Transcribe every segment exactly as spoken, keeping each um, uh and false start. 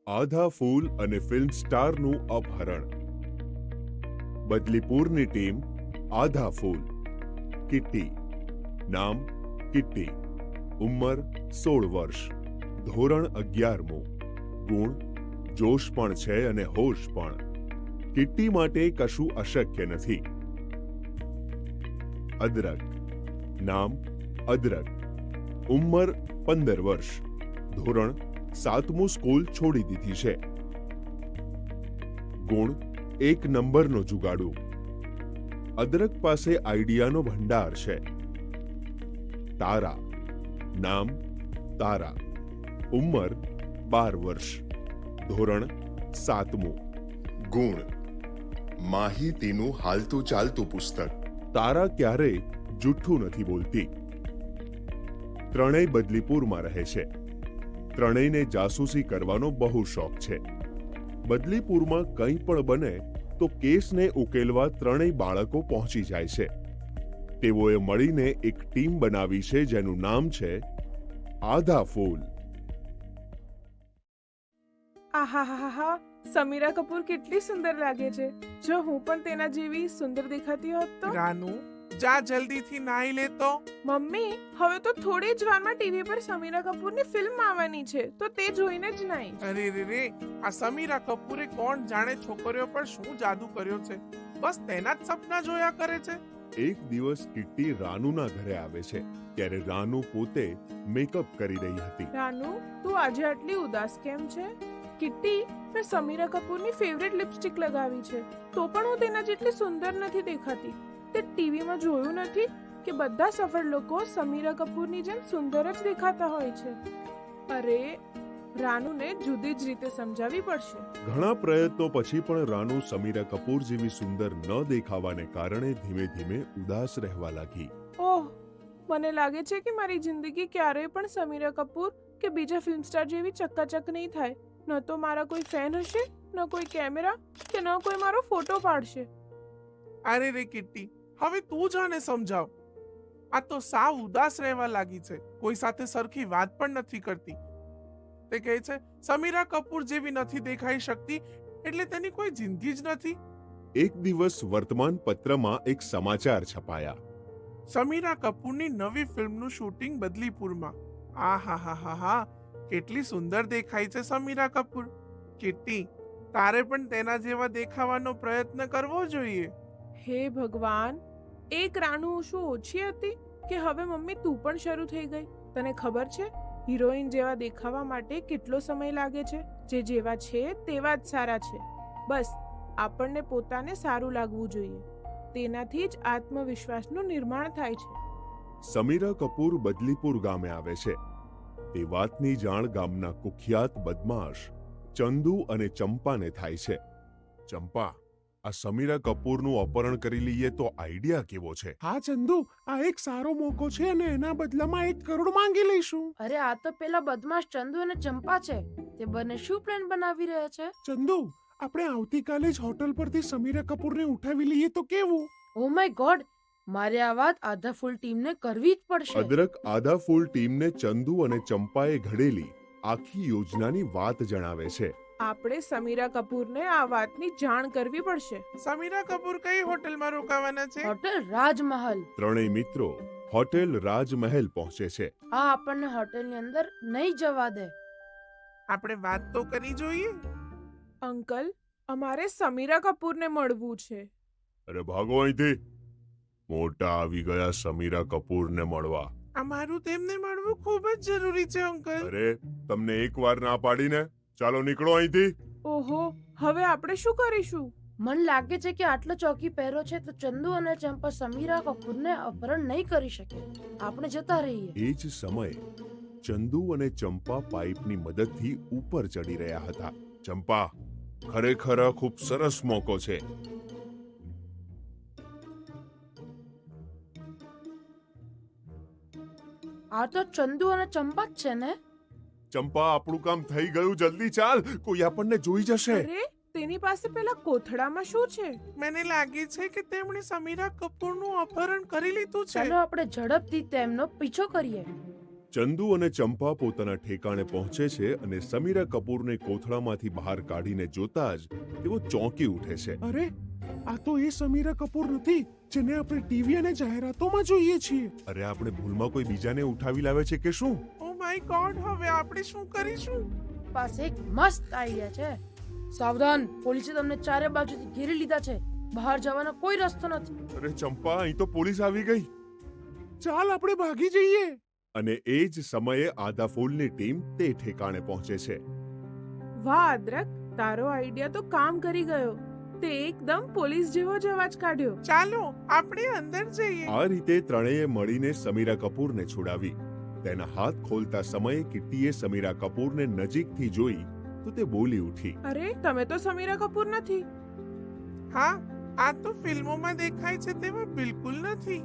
આધા ફૂલ અને ફિલ્મ સ્ટારનું અપહરણ. બદલીપુરની ટીમ આધા ફૂલ. કિટ્ટી. નામ કિટ્ટી. ઉંમર સોળ વર્ષ. ધોરણ અગિયારમું. ગુણ જોશ પણ છે અને હોશ પણ. કિટ્ટી માટે કશું અશક્ય નથી. અદરક. નામ અદરક. ઉંમર પંદર વર્ષ. ધોરણ સાતમું સ્કૂલ છોડી દીધી છે. ગુણ એક નંબરનો જુગાડુ. અદરક પાસે આઈડિયાનો ભંડાર છે. તારા. નામ તારા. ઉંમર બાર વર્ષ. ધોરણ સાતમું. ગુણ માહિતીનું હાલતું ચાલતું પુસ્તક. તારા ક્યારેય જુઠ્ઠું નથી બોલતી. ત્રણેય બદલીપુરમાં રહે છે. ત્રણેયને જાસૂસી કરવાનો બહુ શોખ છે. બદલીપુરમાં કંઈ પણ બને તો કેસને ઉકેલવા ત્રણેય બાળકો પહોંચી જાય છે. તેઓએ મળીને એક ટીમ બનાવી છે જેનું નામ છે આધા ફૂલ. આહાહાહા, સમીરા કપૂર કેટલી સુંદર લાગે છે. જો હું પણ તેના જેવી સુંદર દેખાતી હોત તો. રાનુ, જા જલ્દીથી નાઈ લે તો. મમ્મી, હવે તો થોડી જ વારમાં ટીવી પર સમીરા કપૂરની ફિલ્મ આવવાની છે, તો તે જોઈને જ નાઈશ. અરે રે રે, આ સમીરા કપૂરે કોણ જાણે છોકરીઓ પર શું જાદુ કર્યો છે. બસ તેના જ સપના જોયા કરે છે. એક દિવસ કિટ્ટી રાનુના ઘરે આવે છે ત્યારે રાનુ પોતે મેકઅપ કરી રહી હતી. રાનુ, તું આજે આટલી ઉદાસ કેમ છે? કિટ્ટી, મેં સમીરા કપૂરની ફેવરેટ લિપસ્ટિક લગાવી છે, તો પણ હું તેના જેટલી સુંદર નથી દેખાતી. તે ટીવીમાં જોયું નથી કે બધા સફળ લોકો સમીરા કપૂરની જેમ સુંદર જ દેખાતા હોય છે. અરે, રાનુને જુદી જ રીતે સમજાવવી પડશે. ઘણા પ્રયત્નો પછી પણ રાનુ સમીરા કપૂર જેવી સુંદર ન દેખાવાને કારણે ધીમે ધીમે ઉદાસ રહેવા લાગી. ઓહ, મને લાગે છે કે મારી જિંદગી ક્યારેય પણ સમીરા કપૂર કે બીજા ફિલ્મ સ્ટાર જેવી ચકાચક નહીં થાય. ન તો મારા કોઈ ફેન હશે, ન કોઈ કેમેરા, કે ન કોઈ મારો ફોટો પાડશે. અરે રે કિટ્ટી, હવે તું જાને સમજાવ. આ તો સાવ ઉદાસ રહેવા લાગી છે. કોઈ સાથે સરખી વાત પણ નથી કરતી. તે કહે છે સમીરા કપૂર જેવી નથી દેખાઈ શકતી, એટલે તેની કોઈ જિંદગી જ નથી. એક દિવસ વર્તમાન પત્રમાં એક સમાચાર છપાયા. સમીરા કપૂરની નવી ફિલ્મનું શૂટિંગ બદલીપુરમાં. આ હા હા હા હા, કેટલી સુંદર દેખાય છે સમીરા કપૂર. કિટ્ટી, તારે પણ તેના જેવા દેખાવાનો પ્રયત્ન કરવો જોઈએ. હે ભગવાન, એક રાનુ શું ઓછી હતી કે હવે મમ્મી તું પણ શરૂ થઈ ગઈ? તને ખબર છે હિરોઈન જેવા દેખાવા માટે કેટલો સમય લાગે છે? જે જેવા છે તેવા જ સારા છે. બસ આપણને પોતાને સારું લાગવું જોઈએ. તેનાથી જ આત્મવિશ્વાસનું નિર્માણ થાય છે. સમીરા કપૂર બદલીપુર ગામે આવે છે. તે વાતની જાણ ગામના કુખ્યાત બદમાશ ચંદુ અને ચંપાને થાય છે. ચંપા, આ સમીરા કપૂરનું અપહરણ કરી લઈએ તો આઈડિયા કેવો છે? હા ચંદુ, આ એક સારો મોકો છે અને એના બદલામાં એક કરોડ માંગી લઈશું. અરે આ તો પેલા બદમાશ ચંદુ અને ચંપા છે. તે બંને શું પ્લાન બનાવી રહ્યા છે? ચંદુ, આપણે આવતીકાલે જ હોટલ પરથી સમીરા કપૂરને ઉઠાવી લઈએ તો કેવું? ઓ માય ગોડ, મારે આ વાત આધા ફૂલ ટીમને કરવી જ પડશે. અદરક આધા ફૂલ ટીમને ચંદુ અને ચંપાએ ઘડેલી આખી યોજનાની વાત જણાવે છે. આપણે સમીરા કપૂરને આ વાતની જાણ કરવી પડશે. સમીરા કપૂર કઈ હોટલમાં રોકાવાના છે? હોટેલ રાજમહલ. ત્રણેય મિત્રો હોટેલ રાજમહેલ પહોંચે છે. આ આપણને હોટેલની અંદર નહીં જવા દે. આપણે વાત તો કરી જોઈએ. અંકલ, અમારે સમીરા કપૂરને મળવું છે. અરે ભાગો અહીંથી. મોટા આવી ગયા સમીરા કપૂરને મળવા. અમારું તેમને મળવું ખૂબ જ જરૂરી છે અંકલ. અરે, તમને એકવાર ના પાડીને. ચાલો નીકળો અહીંથી. ઓહો, હવે આપણે શું કરીશું? મન લાગે છે કે આટલો ચોકી પહેરો છે તો ચંદુ અને ચંપા સમીરા કપૂરને અપહરણ નહીં કરી શકે. આપણે જતા રહીએ. એ જ સમયે ચંદુ અને ચંપા પાઇપની મદદથી ઉપર ચડી રહ્યા હતા. ચંપા, ખરેખર ખૂબ સરસ મોકો છે. આ તો ચંદુ અને ચંપા જ છે ને? ચંપા, આપણું કામ થઈ ગયું. જલ્દી ચાલ, કોઈ આપણને જોઈ જશે. અરે, તેની પાસે પેલા કોથળામાં શું છે? મને લાગે છે કે તેમણે સમીરા કપૂરનું અપહરણ કરી લીધું છે. ચાલો આપણે ઝડપથી તેમનો પીછો કરીએ. ચંદુ અને ચંપા પોતાના ઠેકાણે પહોંચે છે અને સમીરા કપૂરને કોથળામાંથી બહાર કાઢીને જોતા જ તેઓ ચોંકી ઉઠે છે. અરે આ તો એ સમીરા કપૂર નથી જેને આપણે ટીવી અને જાહેરાતોમાં જોઈએ છીએ. અરે આપણે ભૂલમાં કોઈ બીજાને ઉઠાવી લાવે છે કે શું? ઓ માય ગોડ, હવે આપણે શું કરીશું? પાસે એક મસ્ત આઈડિયા છે. સાવધાન, પોલીસે તમને ચારે બાજુથી ઘેરી લીધા છે. બહાર જવાનો કોઈ રસ્તો નથી. અરે ચંપા, અહીં તો પોલીસ આવી ગઈ. ચાલ આપણે ભાગી જઈએ. અને એ જ સમયે આધા ફૂલની ટીમ તે ઠેકાણે પહોંચે છે. વાહ અદ્રક, તારો આઈડિયા તો કામ કરી ગયો. તે એકદમ પોલીસ જેવો જ અવાજ કાઢ્યો. ચાલો આપણે અંદર જઈએ. આ રીતે ત્રણેય મળીને સમીરા કપૂરને છોડાવી. તેના હાથ ખોલતા સમયે કિટ્ટીએ સમીરા કપૂરને નજીકથી જોઈ તો તે બોલી ઉઠી. અરે તમે તો સમીરા કપૂર નથી. હા, આ તો ફિલ્મોમાં દેખાય છે તેવા બિલકુલ નથી.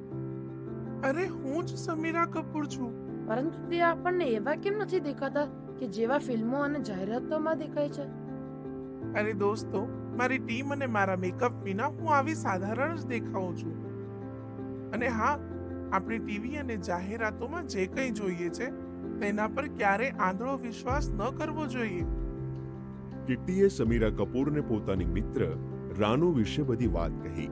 અરે હું જ સમીરા કપૂર છું. પરંતુ તે આપણને એવા કેમ નથી દેખાતા કે જેવા ફિલ્મો અને જાહેરાતોમાં દેખાય છે? અરે દોસ્તો, મારી ટીમ અને મારા મેકઅપ વિના હું આવી સાધારણ જ દેખાઉં છું. અને હા, આપણી ટીવી અને જાહેરાતોમાં જે કંઈ જોઈએ છે તેના પર ક્યારે આંધળો વિશ્વાસ ન કરવો જોઈએ. કિટ્ટીએ સમીરા કપૂરને પોતાની મિત્ર રાનુ વિશે બધી વાત કહી.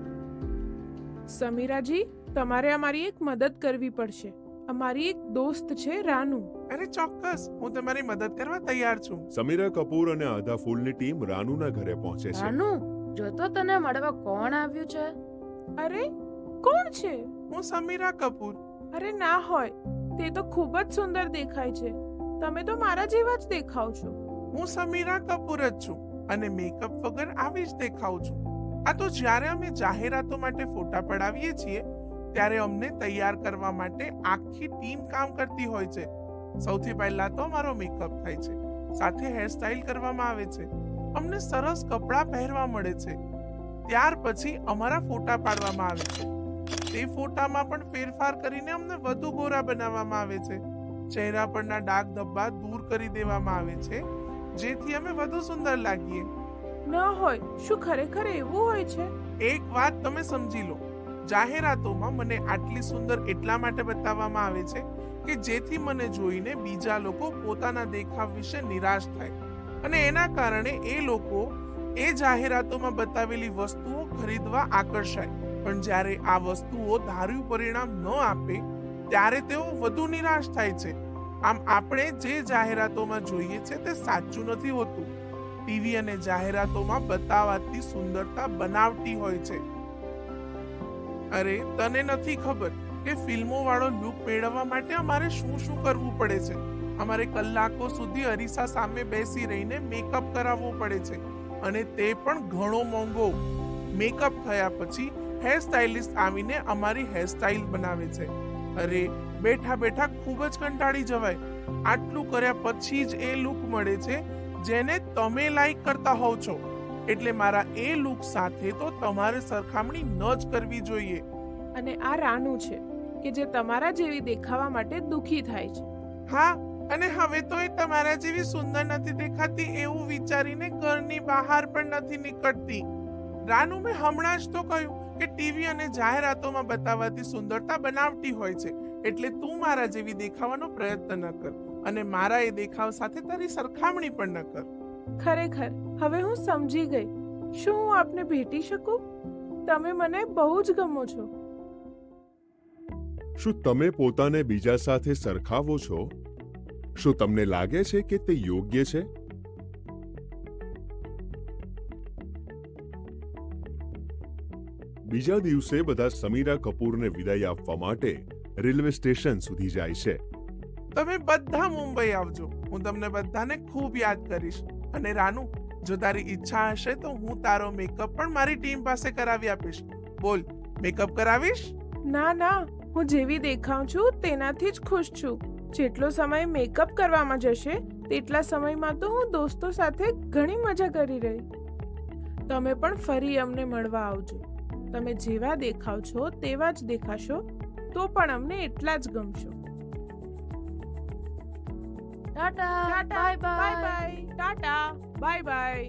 સમીરાજી, તમારે અમારી એક મદદ કરવી પડશે. અમારી એક દોસ્ત છે રાનુ. અરે ચોક્કસ, હું તમારી મદદ કરવા તૈયાર છું. સમીરા કપૂર અને આધા ફૂલની ટીમ રાનુના ઘરે પહોંચે છે. રાનુ, જો તો તને મળવા કોણ આવ્યું છે? અરે કોણ છે? હું સમીરા કપૂર. અરે ના હોય, તે તો ખૂબ જ સુંદર દેખાય છે. તમે તો મારા જેવા જ દેખાવ છો. હું સમીરા કપૂર જ છું અને મેકઅપ વગર આવી જ દેખાઉં છું. આ તો જ્યારે અમે જાહેરાતો માટે ફોટા પડાવીએ છીએ ત્યારે અમને તૈયાર કરવા માટે આખી ટીમ કામ કરતી હોય છે. સૌથી પહેલા તો અમારો મેકઅપ થાય છે, સાથે હેરસ્ટાઇલ કરવામાં આવે છે, અમને સરસ કપડાં પહેરવા મળે છે, ત્યાર પછી અમારા ફોટા પાડવામાં આવે છે. તે ફોટામાં પણ ફેરફાર કરીને અમને વધુ ગોરા બનાવવામાં આવે છે. ચહેરા પરના ડાઘ ધબ્બા દૂર કરી દેવામાં આવે છે જેથી અમે વધુ સુંદર લાગીએ. ન હોય, શું ખરેખર એવું હોય છે? એક વાત તમે સમજી લો, જાહેરાતોમાં મને આટલી સુંદર એટલા માટે બતાવવામાં આવે છે કે જેથી મને જોઈને બીજા લોકો પોતાના દેખાવ વિશે નિરાશ થાય અને એના કારણે એ લોકો એ જાહેરાતોમાં બતાવેલી વસ્તુઓ ખરીદવા આકર્ષાય. પણ જ્યારે આ વસ્તુઓ ધાર્યું પરિણામ ન આપે ત્યારે તેઓ વધુ નિરાશ થાય છે. આમ આપણે જે જાહેરાતોમાં જોઈએ છે તે સાચું નથી હોતું. ટીવી અને જાહેરાતોમાં બતાવાતી સુંદરતા બનાવટી હોય છે. અરે તને નથી ખબર કે ફિલ્મો વાળો લુક મેળવવા માટે અમારે શું શું કરવું પડે છે. અમારે કલાકો સુધી અરીસા સામે બેસી રહીને મેકઅપ કરાવવો પડે છે અને તે પણ ઘણો મોંઘો. મેકઅપ થયા પછી હેર સ્ટાઇલિસ્ટ આવીને અમારી હેરસ્ટાઇલ બનાવે છે. અરે બેઠા બેઠા ખૂબ જ કંટાળી જવાય. આટલું કર્યા પછી જ એ લુક મળે છે જેને તમે લાઈક કરતા હોવ છો. એટલે મારા એ લુક સાથે તો તમારે સરખામણી ન જ કરવી જોઈએ. અને આ રાનુ છે કે જે તમારા જેવી દેખાવા માટે દુખી થાય છે. હા, અને હવે તો એ તમારા જેવી સુંદર નથી દેખાતી એવું વિચારીને ઘરની બહાર પણ નથી નીકળતી. રાનુ, મેં હમણાં જ તો કહ્યું કે ટીવી અને જાહેરાતોમાં બતાવાતી સુંદરતા બનાવટી હોય છે. એટલે તું મારા જેવી દેખાવાનો પ્રયત્ન ન કર અને મારા એ દેખાવ સાથે તારી સરખામણી પણ ન કર. ખરેખર હવે હું સમજી ગઈ. શું હું આપને ભેટી શકું? તમે મને બહુ જ ગમો છો. શું તમે પોતાને બીજા સાથે સરખાવો છો? શું તમને લાગે છે કે તે યોગ્ય છે? બીજા દિવસે બધા સમીરા કપૂરને વિદાય આપવા માટે રેલવે સ્ટેશન સુધી જાય છે. તમે બધા મુંબઈ આવજો, હું તમને બધાને ખૂબ યાદ કરીશ. અને રાનુ, જો તારી ઈચ્છા હશે તો હું તારો મેકઅપ પણ મારી ટીમ પાસે કરાવી આપીશ. બોલ, મેકઅપ કરાવીશ? ના ના, હું જેવી દેખાઉં છું તેનાથી જ ખુશ છું. જેટલો સમય મેકઅપ કરવામાં જશે તેટલા સમયમાં તો હું દોસ્તો સાથે ઘણી મજા કરી રહી. તમે પણ ફરી અમને મળવા આવજો. તમે જેવા દેખાવ છો તેવા જ દેખાશો તો પણ અમને એટલા જ ગમશો. Tata, bye bye bye. Bye, tata, bye bye.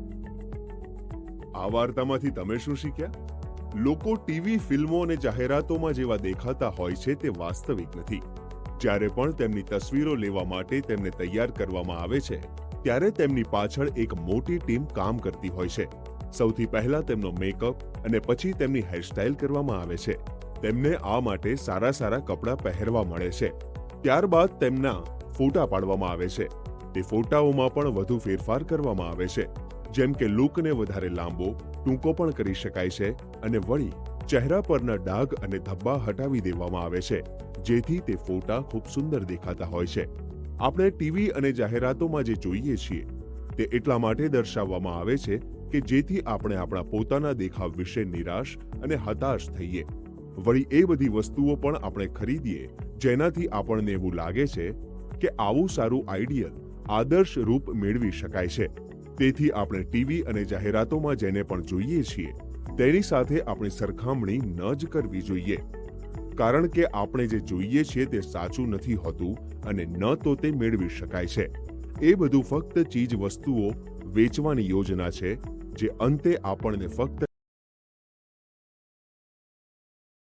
આ વાર્તામાંથી તમે શું શીખ્યા? લોકો ટીવી, ફિલ્મો અને જાહેરાતોમાં જેવા દેખાતા હોય છે તે વાસ્તવિક નથી. જ્યારે પણ તેમની તસવીરો લેવા માટે તેમને તૈયાર કરવામાં આવે છે ત્યારે તેમની પાછળ એક મોટી ટીમ કામ કરતી હોય છે. સૌથી પહેલા તેમનો મેકઅપ અને પછી તેમની હેરસ્ટાઇલ કરવામાં આવે છે. તેમને આ માટે સારા સારા કપડાં પહેરવા મળે છે. ત્યારબાદ તેમના ફોટા પાડવામાં આવે છે. તે ફોટાઓમાં પણ વધુ ફેરફાર કરવામાં આવે છે, જેમ કે લુકને વધારે લાંબો ટૂંકો પણ કરી શકાય છે અને વળી ચહેરા પરના ડાઘ અને ધબ્બા હટાવી દેવામાં આવે છે, જેથી તે ફોટા ખૂબ સુંદર દેખાતા હોય છે. આપણે ટીવી અને જાહેરાતોમાં જે જોઈએ છીએ તે એટલા માટે દર્શાવવામાં આવે છે કે જેથી આપણે આપણા પોતાના દેખાવ વિશે નિરાશ અને હતાશ થઈએ. વળી એ બધી વસ્તુઓ પણ આપણે ખરીદીએ જેનાથી આપણને એવું લાગે છે કે આવું સારું આઈડિયલ આદર્શ રૂપ મેળવી શકાય છે. તેથી આપણે ટીવી અને જાહેરાતોમાં જેને પણ જોઈએ છીએ તેની સાથે આપણી સરખામણી ન જ કરવી જોઈએ, કારણ કે આપણે જે જોઈએ છીએ તે સાચું નથી હોતું અને ન તો તે મેળવી શકાય છે. એ બધું ફક્ત ચીજ વસ્તુઓ વેચવાની યોજના છે જે અંતે આપણને ફક્ત